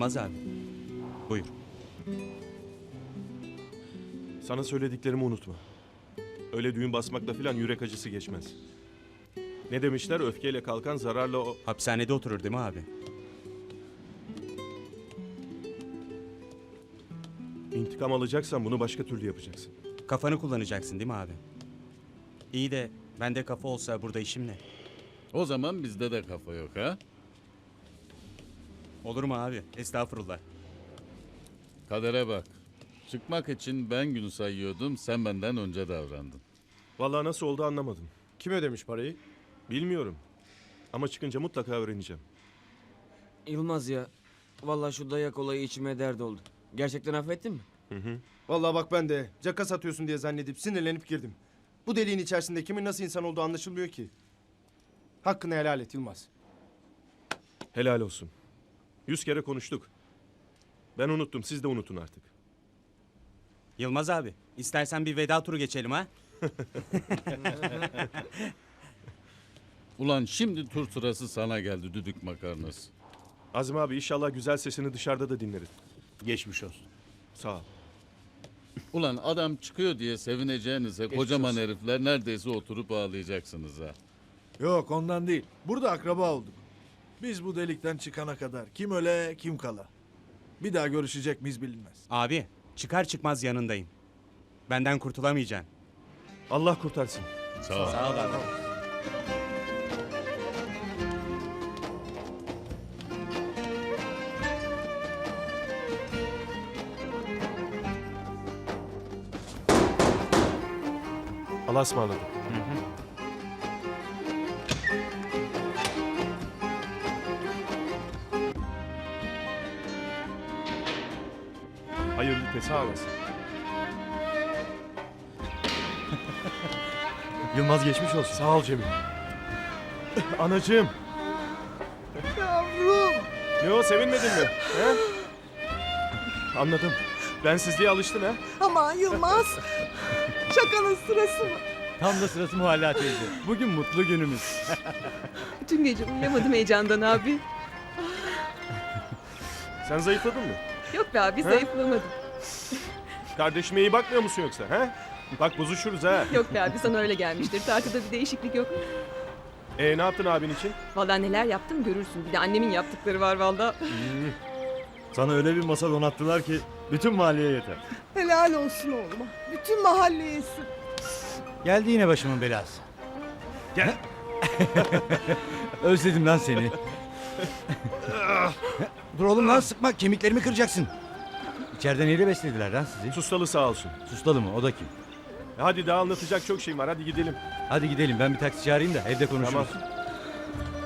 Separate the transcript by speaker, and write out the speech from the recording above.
Speaker 1: Yılmaz abi. Buyur.
Speaker 2: Sana söylediklerimi unutma. Öyle düğün basmakla filan yürek acısı geçmez. Ne demişler? Öfkeyle kalkan zararla o...
Speaker 1: Hapishanede oturur değil mi abi?
Speaker 2: İntikam alacaksan bunu başka türlü yapacaksın.
Speaker 1: Kafanı kullanacaksın değil mi abi? İyi de bende kafa olsa burada işim ne?
Speaker 3: O zaman bizde de kafa yok ha?
Speaker 1: Olur mu abi? Estağfurullah.
Speaker 3: Kadere bak. Çıkmak için ben gün sayıyordum, sen benden önce davrandın.
Speaker 2: Vallahi nasıl oldu anlamadım.
Speaker 4: Kim ödemiş parayı?
Speaker 2: Bilmiyorum. Ama çıkınca mutlaka öğreneceğim.
Speaker 5: Yılmaz ya. Vallahi şu dayak olayı içime dert oldu. Gerçekten affettin mi?
Speaker 4: Vallahi bak ben de caka satıyorsun diye zannedip sinirlenip girdim. Bu deliğin içerisinde kimin nasıl insan olduğu anlaşılmıyor ki. Hakkını helal et Yılmaz.
Speaker 2: Helal olsun. 100 kere konuştuk. Ben unuttum, siz de unutun artık.
Speaker 1: Yılmaz abi, istersen bir veda turu geçelim ha?
Speaker 3: Ulan şimdi tur sırası sana geldi düdük makarnası.
Speaker 2: Azim abi inşallah güzel sesini dışarıda da dinleriz.
Speaker 6: Geçmiş olsun.
Speaker 2: Sağ ol.
Speaker 3: Ulan adam çıkıyor diye sevineceğinize kocaman herifler neredeyse oturup ağlayacaksınız ha.
Speaker 7: Yok ondan değil. Burada akraba olduk. Biz bu delikten çıkana kadar kim öle kim kala. Bir daha görüşecek miyiz bilinmez.
Speaker 1: Abi, çıkar çıkmaz yanındayım. Benden kurtulamayacaksın.
Speaker 2: Allah kurtarsın.
Speaker 3: Sağ ol.
Speaker 1: Sağ ol abi.
Speaker 2: Allah'a ısmarladık. Hayırlı tesbih olasın.
Speaker 6: Yılmaz geçmiş olsun.
Speaker 2: Sağ ol Cemil. Anacığım.
Speaker 7: Yavrum.
Speaker 2: Ne o, sevinmedin mi? He? Anladım. Bensizliğe alıştın ha?
Speaker 8: Aman Yılmaz. Şakanın sırası mı?
Speaker 6: Tam da sırası Muhalla teyze. Bugün mutlu günümüz.
Speaker 8: Bütün gece uyuyamadım heyecandan abi.
Speaker 2: Sen zayıfladın mı?
Speaker 8: Yok be abi zayıflamadım.
Speaker 2: Kardeşime iyi bakmıyor musun yoksa? He? Bak bozuşuruz ha.
Speaker 8: Yok be abi sana öyle gelmiştir. Tartıda bir değişiklik yok.
Speaker 2: Ne yaptın abin için?
Speaker 8: Vallahi neler yaptım görürsün. Bir de annemin yaptıkları var vallahi.
Speaker 6: Sana öyle bir masa donattılar ki bütün mahalleye yeter.
Speaker 8: Helal olsun oğluma. Bütün mahalle yesin.
Speaker 6: Geldi yine başımın belası. Gel. Özledim lan seni. Dur oğlum lan sıkma kemiklerimi kıracaksın. İçeride neyle beslediler lan sizi?
Speaker 2: Sustalı sağ olsun.
Speaker 6: Sustalı mı o da kim?
Speaker 2: Hadi daha anlatacak çok şeyim var, hadi gidelim.
Speaker 6: Hadi gidelim ben bir taksi çağırayım da evde konuşuruz.
Speaker 2: Tamam.